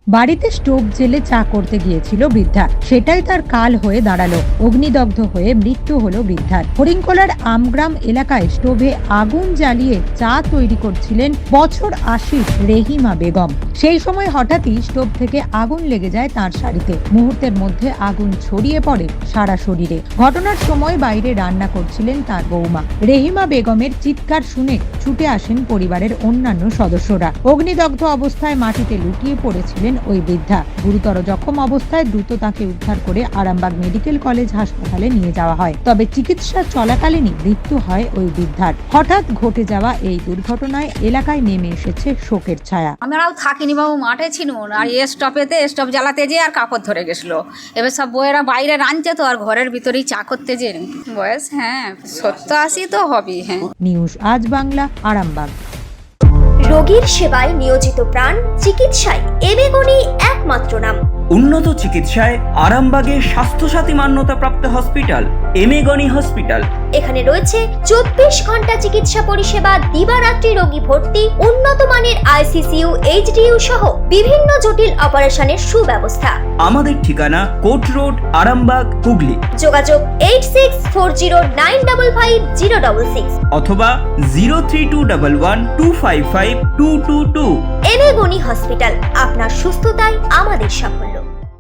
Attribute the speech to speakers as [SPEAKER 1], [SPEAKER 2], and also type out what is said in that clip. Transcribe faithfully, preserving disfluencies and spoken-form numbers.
[SPEAKER 1] বাড়িতে স্টোভ জেলে চা করতে গিয়েছিল বৃদ্ধা, সেটাই তার কাল হয়ে দাঁড়ালো। অগ্নিদগ্ধ হয়ে মৃত্যু হলো বৃদ্ধার। হরিংকলার আমগ্রাম এলাকায় স্টোভে আগুন জ্বালিয়ে চা তৈরি করছিলেন বছর আশির রেহিমা বেগম। সেই সময় হঠাৎই স্টোভ থেকে আগুন লেগে যায় তার শাড়িতে। মুহূর্তের মধ্যে আগুন ছড়িয়ে পড়ে সারা শরীরে। ঘটনার সময় বাইরে রান্না করছিলেন তার বৌমা। রেহিমা বেগমের চিৎকার শুনে ছুটে আসেন পরিবারের অন্যান্য সদস্যরা। অগ্নিদগ্ধ অবস্থায় মাটিতে লুটিয়ে পড়েছিলেন ওই বৃদ্ধা। গুরুতর জখম অবস্থায় দ্রুত তাকে উদ্ধার করে আরামবাগ মেডিকেল কলেজ হাসপাতালে নিয়ে যাওয়া হয়। তবে চিকিৎসা চলাকালীনই মৃত্যু হয় ওই বৃদ্ধার। হঠাৎ ঘটে যাওয়া এই দুর্ঘটনায় এলাকায় নেমে এসেছে শোকের ছায়া।
[SPEAKER 2] আমরাও থাকিনি বাবু, মাঠে ছিল আর এ স্টপেতে স্টপ জ্বালাতে যেয়ে আর কাপড় ধরে গেছিলো। এবার সব বইয়েরা বাইরে রাঁধছে তো, আর ঘরের ভিতরেই চা করতে যে বয়স হ্যাঁ সত্তর আশি তো হবেই। হ্যাঁ।
[SPEAKER 1] নিউজ আজ বাংলা, আরামবাগ।
[SPEAKER 3] রোগীর সেবায় নিয়োজিত প্রাণ, চিকিৎসায় এবেগুনি একমাত্র নাম।
[SPEAKER 4] উন্নত চিকিৎসায় আরামবাগে স্বাস্থ্যসাথী মান্যতাপ্রাপ্ত হসপিটাল এমেগনি হসপিটাল।
[SPEAKER 3] এখানে রয়েছে চব্বিশ ঘন্টা চিকিৎসা পরিষেবা, দিবারাত্রি রোগী ভর্তি, উন্নত মানের আইসিসিইউ, এইচডিইউ সহ বিভিন্ন জটিল অপারেশনের সুব্যবস্থা।
[SPEAKER 4] আমাদের ঠিকানা কোট রোড, আরামবাগ, হুগলি।
[SPEAKER 3] যোগাযোগ eight six four zero nine double five zero double six
[SPEAKER 4] অথবা zero three two double one two five five two two two.
[SPEAKER 3] এবেগুনি হসপিটাল, আপনার সুস্থতাই আমাদের সাফল্য।